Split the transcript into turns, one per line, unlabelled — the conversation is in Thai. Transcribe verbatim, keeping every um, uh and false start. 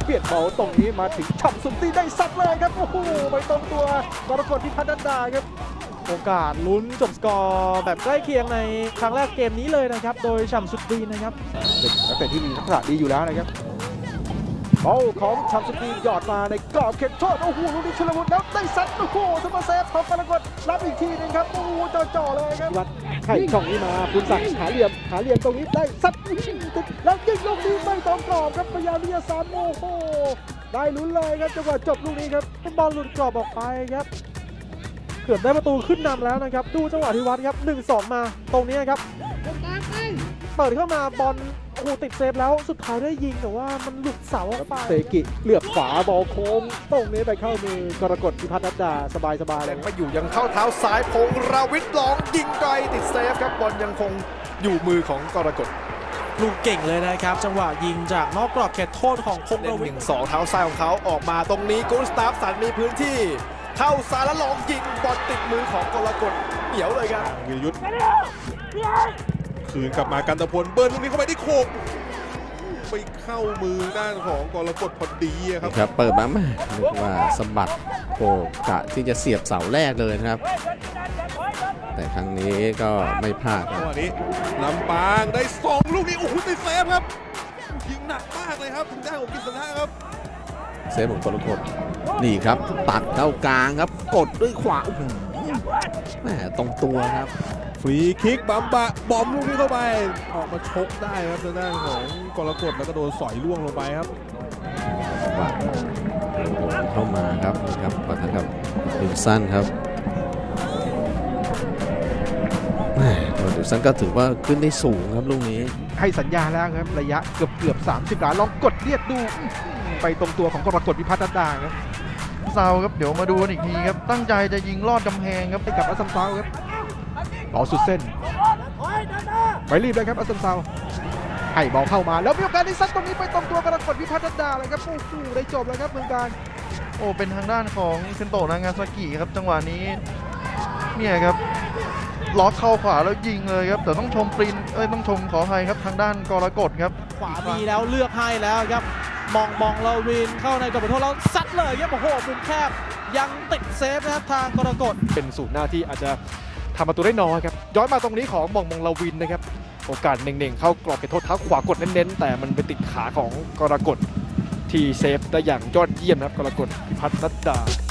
เปลี่ยนบอลตรงนี้มาถึงฉ่ำสุนทรีได้ซัดเลยครับโอ้โหไปตรงตัวกรกฎพิพัฒน์นันดาครับ
โอกาสลุ้นจบสกอร์แบบใกล้เคียงในครั้งแรกเกมนี้เลยนะครับโดยฉ่ำสุดดีนะครับ
เป็นนักเตะที่มีทักษะดีอยู่แล้วนะครับบอลของฉ่ำสุดดีหยอดมาในกรอบเขตโทษโอ้โหลูกนี้ชลวุฒิแล้วได้ซัดโอ้โหซุปเปอร์เซฟของกรกฎรับอีกทีนึงครับโอ้โหจ่อๆเลยครับวัดไข่ช่องนี้มาคุณศักดิ์หาเหลี่ยมหาเหลี่ยมตรงนี้ได้ซัดแล้วยิงลูกนี้ไม่ตรงกรอบครับพยายามที่จะซ้ำโอ้โหได้ลุ้นเลยครับจังหวะจบลูกนี้ครับ
บอลหลุดกรอบออกไปครับเกือบได้ประตูขึ้นนำแล้วนะครับดูจังหวะที่วัดครับ หนึ่งสอง มาตรงนี้ครับเปิดเข้ามาบอลโอ้โหติดเซฟแล้วสุดท้ายได้ยิงแต่ว่ามันหลุดเสาออกไป
เซกิเหลือบขวาบอลโค้งตรงนี้ไปเข้ามือกรกฎพิพัฒน์นันดาสบายๆเลย
มาอยู่ยังเข้าเท้าซ้ายพงราวิทย์ลองยิงไกลติดเซฟครับบอลยังคงอยู่มือของกรกฎ
ลูกเก่งเลยนะครับจังหวะยิงจากนอกกรอบเขตโทษของพงราวิทย์
หนึ่งสองเท้าซ้ายของเขาออกมาตรงนี้กุสตาฟสันมีพื้นที่เข้าซ้ายแล้วลองยิงบอลติดมือของกรกฎเหนียวเลยครับ
วีรยุทธ์คืนกลับมากันตะพลเบิร์นลูกนี้เข้าไปที่โขกไปเข้ามือด้านของกรกฎพอดีครับ
ครับเปิดมาแม่นึกว่าสะบัดโขกกะที่จะเสียบเสาแรกเลยนะครับแต่ครั้งนี้ก็ไม่พลาดครับ
วันนี้ลำปางได้สองลูกนี้โอ้โหติดเซฟครับยิงหนักมากเลยครับถึงได้ของกิษณะครับ
เซฟของกรกฎนี่ครับตัดเข้ากลางครับกดด้วยขวาแหมตรงตัวครับ
ฟรีคิกบัมบะบอมลูกนี้เข้าไปออกมาชกได้ครับทางด้านของกรกฎแล้วก็โดนสอยล่วงลงไปครับ
เข้ามาครับครับปะทะกับดิวสันครับแหมดิวสันก็ถือว่าขึ้นได้สูงครับลูกนี้
ให้สัญญาแล้วครับระยะเกือบเกือบสามสิบหลาลองกดเรียกดูไปตรงตัวของกรกฎพิพัฒน์นันดาครับ
ซาวครับเดี๋ยวมาดูกันอีกทีครับตั้งใจจะยิงลอดกำแพงครับ
ไปกับอัสซัมซาวครับบอลสุดเส้นไปรีบเลยครับอัสซัมซาวให้บอลเข้ามาแล้วมีโอกาสได้ซัดตรงนี้ไปตรงตัวกรกฎพิพัฒน์นันดาเลยครับโอ้โหได้จบแล้วครับเมืองการ
โอ้เป็นทางด้านของเซนโตะนางาซากิครับจังหวะนี้เนี่ยครับล็อกเข้าขวาแล้วยิงเลยครับแต่ต้องชมปรินเอ้ยต้องชมขออภัยครับทางด้านกรกฎครับ
ขวามีแล้วเลือกให้แล้วครับมองมองลาวินเข้าในกรอบโทษแล้วซัดเลยครับโอ้โหมุมแคบยังติดเซฟนะครับทางกรกฎ
เป็นศูนย์หน้าที่อาจจะทำประตูได้น้อยครับย้อนมาตรงนี้ของมองมองลาวินนะครับโอกาสเน่งๆเข้ากรอบเขตโทษเท้าขวากดเน้นๆแต่มันไปติดขาของกรกฎที่เซฟได้อย่างยอดเยี่ยมครับกรกฎพิพัฒน์นันดา